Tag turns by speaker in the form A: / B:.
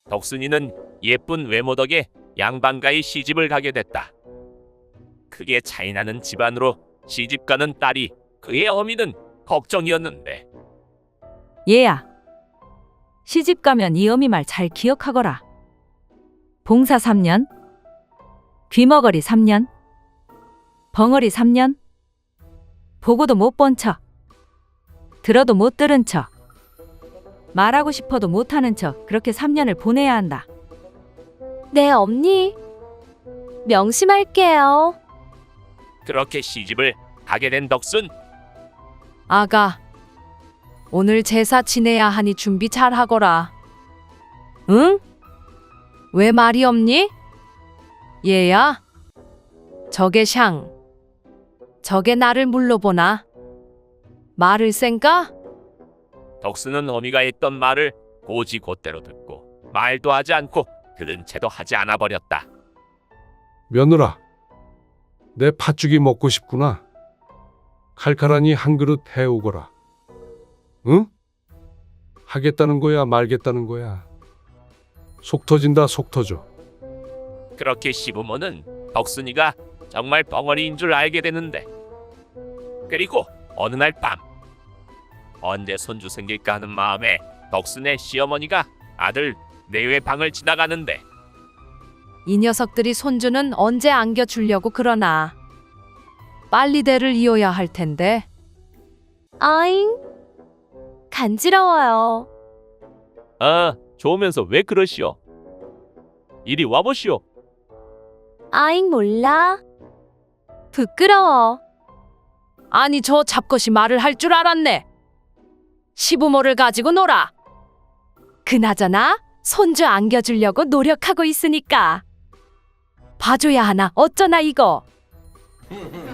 A: 덕순이는 예쁜 외모 덕에 양반가의 시집을 가게 됐다. 크게 차이나는 집안으로 시집가는 딸이 그의 어미는 걱정이었는데
B: 얘야, 시집 가면 이 어미 말 잘 기억하거라. 봉사 3년, 귀머거리 3년, 벙어리 3년, 보고도 못 본 척, 들어도 못 들은 척, 말하고 싶어도 못하는 척 그렇게 3년을 보내야 한다.
C: 네, 언니. 명심할게요.
A: 그렇게 시집을 가게 된 덕순.
D: 아가, 오늘 제사 지내야 하니 준비 잘 하거라. 응? 왜 말이 없니? 얘야, 저게 샹. 저게 나를 물러보나? 말을 쌩까?
A: 덕순은 어미가 했던 말을 고지곧대로 듣고 말도 하지 않고 들은 채도 하지 않아 버렸다.
E: 며느라, 내 팥죽이 먹고 싶구나. 칼칼하니 한 그릇 해오거라. 응? 하겠다는 거야, 말겠다는 거야. 속 터진다, 속 터져.
A: 그렇게 시부모는 덕순이가 정말 벙어리인 줄 알게 되는데, 그리고 어느 날 밤, 언제 손주 생길까 하는 마음에 덕순의 시어머니가 아들 내외 방을 지나가는데
D: 이 녀석들이 손주는 언제 안겨주려고 그러나. 빨리 대를 이어야 할 텐데.
C: 아잉. 간지러워요.
A: 아, 좋으면서 왜 그러시오? 이리 와보시오.
C: 아잉 몰라. 부끄러워.
D: 아니 저 잡것이 말을 할 줄 알았네. 시부모를 가지고 놀아. 그나저나 손주 안겨주려고 노력하고 있으니까 봐줘야 하나 어쩌나 이거.